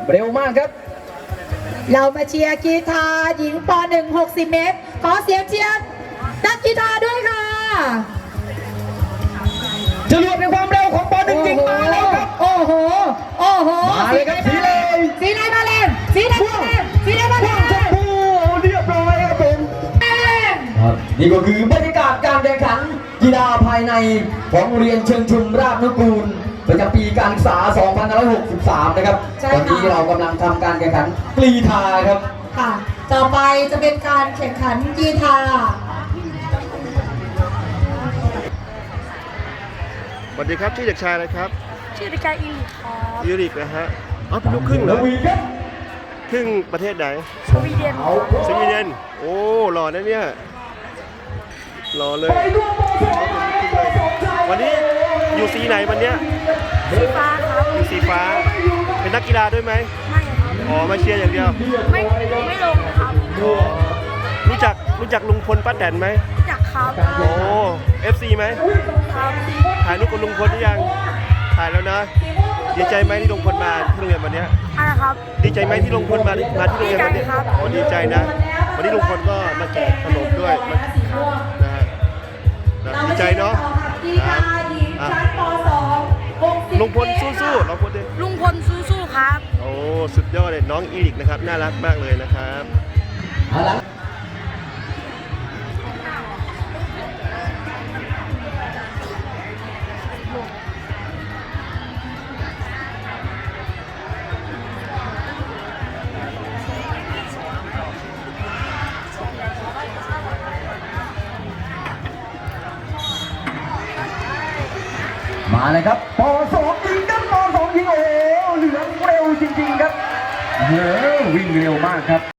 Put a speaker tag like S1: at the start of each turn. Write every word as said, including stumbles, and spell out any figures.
S1: เร็วมากครับ
S2: เรามาเชียร์กีฬาหญิงป หนึ่ง หกสิบ เมตรขอเสียงเชียร์นักกีฬาด้วยค่ะ
S1: จรวดในความเร็วของป หนึ่ง จริงมาแล้วครับ
S2: โอ้โหโอ้โห
S1: มาเลยครับสีเลย
S2: สีไหนมาเลยสีไหนมาเลยสีไหนมาเลย
S1: โอ้เรียบร้อยครับผมนี่ก็คือบรรยากาศการแข่งขันกีฬาภายในของโรงเรียนเชิงชุมราชนุกูลประจำปีการศึกษา สองพันห้าร้อยหกสิบสาม นะครับตอนนี้เรากำลังทำการแข่งขันกรีฑาครับ
S2: ค่ะต่อไปจะเป็นการแข่งขันกีฬา
S3: สวัสดีครับชื่อเด็กชายอะไรครับ
S4: ชื่อเด็กชายอีลิกครับ
S3: อีริกนะฮะอ๋อเป็นลูกครึ่งเหรอครึ่งประเทศไหน
S4: สวีเดน
S3: สวีเดนโอ้หล่อนะเนี่ยหล่อเลยวันนี้อยู่สีไหนวันเนี้ย
S4: สีฟ้าครับ
S3: อยู่สีฟ้าเป็นนักกีฬาด้วยไหม
S4: ไม่ครับ
S3: อ๋อมาเชียร์อย่างเดียว
S4: ไม่ไม่ลงครับ
S3: อ๋อรู้จักรู้จักลุงพลป้าแตนไหม
S4: รู้จักครับ
S3: โอ้เอฟซีไหม
S4: ครับ
S3: ถ่ายรูปกับลุงพลหรือยังถ่ายแล้วนะดีใจไหมที่ลุงพลมาที่โรงเรียนวันนี้
S4: อะไรครับ
S3: ดีใจไหมที่ลุงพลมามาที่โรงเรียนวันนี้โอ้ดีใจนะวันนี้ลุงพลก็มาแจกขนมด้วยนะฮะดีใจเนาะลุงพลสู้ๆเราพูดดิ
S4: ลุงพลสู้ๆครับ
S3: โอ้สุดยอดเลยน้องอีริกนะครับน่ารักมากเลยนะครับ
S1: มาเลยครับป สอง ยิงครับป สอง ยิงโอ้เหลืองเร็วจริงๆครับเฮ้ยวิ่งเร็วมากครับ